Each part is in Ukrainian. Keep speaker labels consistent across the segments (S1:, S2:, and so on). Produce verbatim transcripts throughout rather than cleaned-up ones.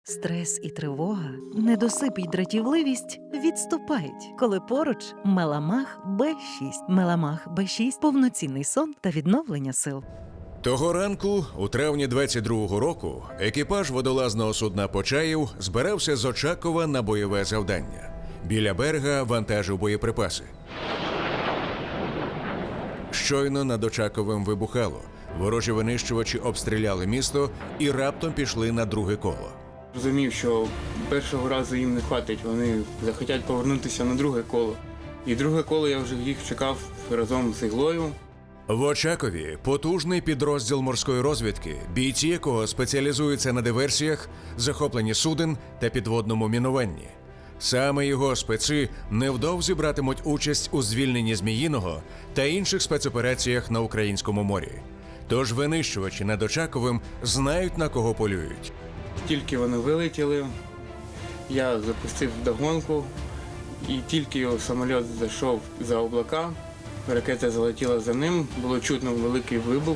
S1: Стрес і тривога, недосип і дратівливість відступають, коли поруч Меламах Б шість. Меламах Б шість – повноцінний сон та відновлення сил.
S2: Того ранку, у травні двадцять другого року, екіпаж водолазного судна «Почаїв» збирався з Очакова на бойове завдання. Біля берега вантажив боєприпаси. Щойно над Очаковим вибухало. Ворожі винищувачі обстріляли місто і раптом пішли на друге коло.
S3: Розумів, що першого разу їм не хватить, вони захотять повернутися на друге коло. І друге коло я вже їх чекав разом з Іглою.
S2: В Очакові потужний підрозділ морської розвідки, бійці якого спеціалізуються на диверсіях, захопленні суден та підводному мінуванні. Саме його специ невдовзі братимуть участь у звільненні Зміїного та інших спецопераціях на Українському морі. Тож винищувачі над Очаковим знають, на кого полюють.
S3: Тільки вони вилетіли, я запустив вдогонку, і тільки його самоліт зайшов за облака, ракета залетіла за ним, було чутно великий вибух.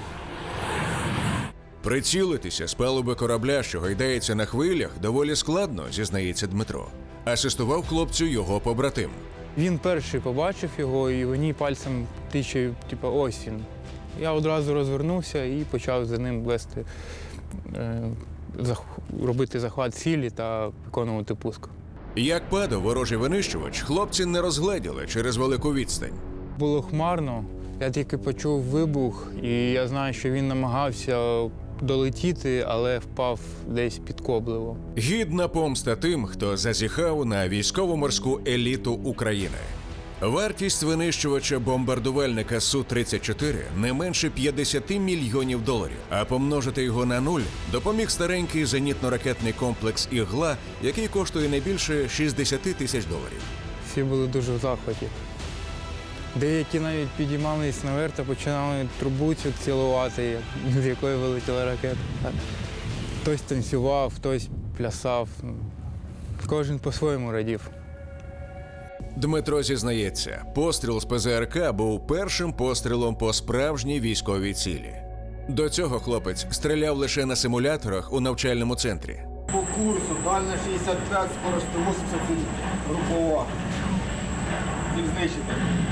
S2: Прицілитися з палуби корабля, що гайдається на хвилях, доволі складно, зізнається Дмитро. Асистував хлопцю його побратим.
S4: Він перший побачив його і мені пальцем тиче, типу, ось він. Я одразу розвернувся і почав за ним вести, е, зах... робити захват цілі та виконувати пуск.
S2: Як падав ворожий винищувач, хлопці не розгледіли через велику відстань.
S4: Було хмарно, я тільки почув вибух, і я знаю, що він намагався долетіти, але впав десь під Коблево.
S2: Гідна помста тим, хто зазіхав на військово-морську еліту України. Вартість винищувача-бомбардувальника Су тридцять чотири не менше п'ятдесят мільйонів доларів, а помножити його на нуль допоміг старенький зенітно-ракетний комплекс «Ігла», який коштує не більше шістдесят тисяч доларів.
S4: Всі були дуже в захваті. Деякі навіть підіймались наверх та починали трубу цю цілувати, з якої вилетіла ракета. Хтось танцював, хтось плясав. Кожен по-своєму радів.
S2: Дмитро зізнається, постріл з Пе Зе Ер Ка був першим пострілом по справжній військовій цілі. До цього хлопець стріляв лише на симуляторах у навчальному центрі.
S5: По курсу, дальня шістдесят п'ять, скорость сто вісімдесят, групова. Ціль знищити.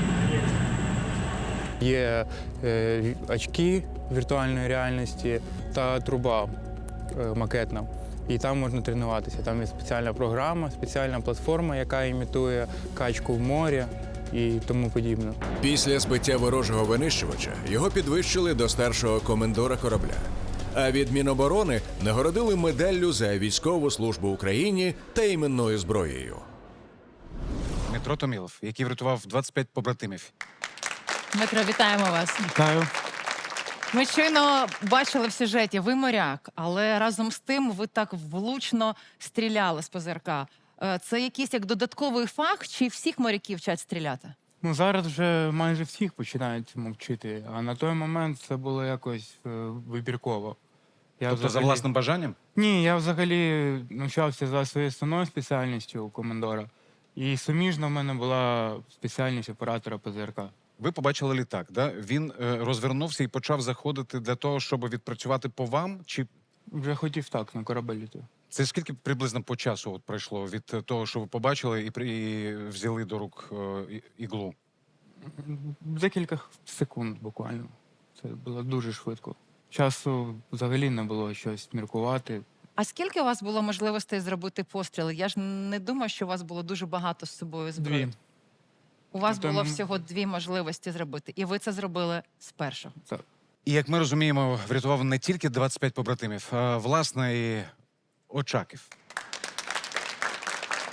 S4: Є е, очки віртуальної реальності та труба е, макетна. І там можна тренуватися. Там є спеціальна програма, спеціальна платформа, яка імітує качку в морі і тому подібне.
S2: Після збиття ворожого винищувача його підвищили до старшого комендора корабля. А від Міноборони нагородили медаллю за військову службу Україні та іменною зброєю.
S6: Дмитро Томілов, який врятував двадцять п'ять побратимів.
S7: Дмитро, вітаємо вас.
S4: Вітаю.
S7: Ми щойно бачили в сюжеті, ви моряк, але разом з тим ви так влучно стріляли з Пе Зе Ер Ка. Е, Це якийсь як додатковий фах, чи всіх моряків вчать стріляти?
S4: Ну, зараз вже майже всіх починають цьому вчити, а на той момент це було якось е, вибірково. Я
S6: Тобто за власним бажанням?
S4: Ні, я взагалі навчався за своєю основною спеціальністю у командора. І суміжно в мене була спеціальність оператора Пе Зе Ер Ка.
S6: Ви побачили літак, да? Він е, розвернувся і почав заходити для того, щоб відпрацювати по вам? Чи
S4: Вже хотів так, на корабель йти.
S6: це скільки приблизно по часу от пройшло від того, що ви побачили і, при... і взяли до рук е, і- іглу?
S4: Декілька секунд буквально. Це було дуже швидко. Часу взагалі не було щось міркувати.
S7: А скільки у вас було можливостей зробити постріли? Я ж не думаю, що у вас було дуже багато з собою зброї.
S4: Дві.
S7: У вас
S4: На той
S7: було
S4: момент-
S7: всього дві можливості зробити, і ви це зробили з першого.
S4: Так.
S6: І, як ми розуміємо, врятував не тільки двадцять п'ять побратимів, а, власне, і Очаків.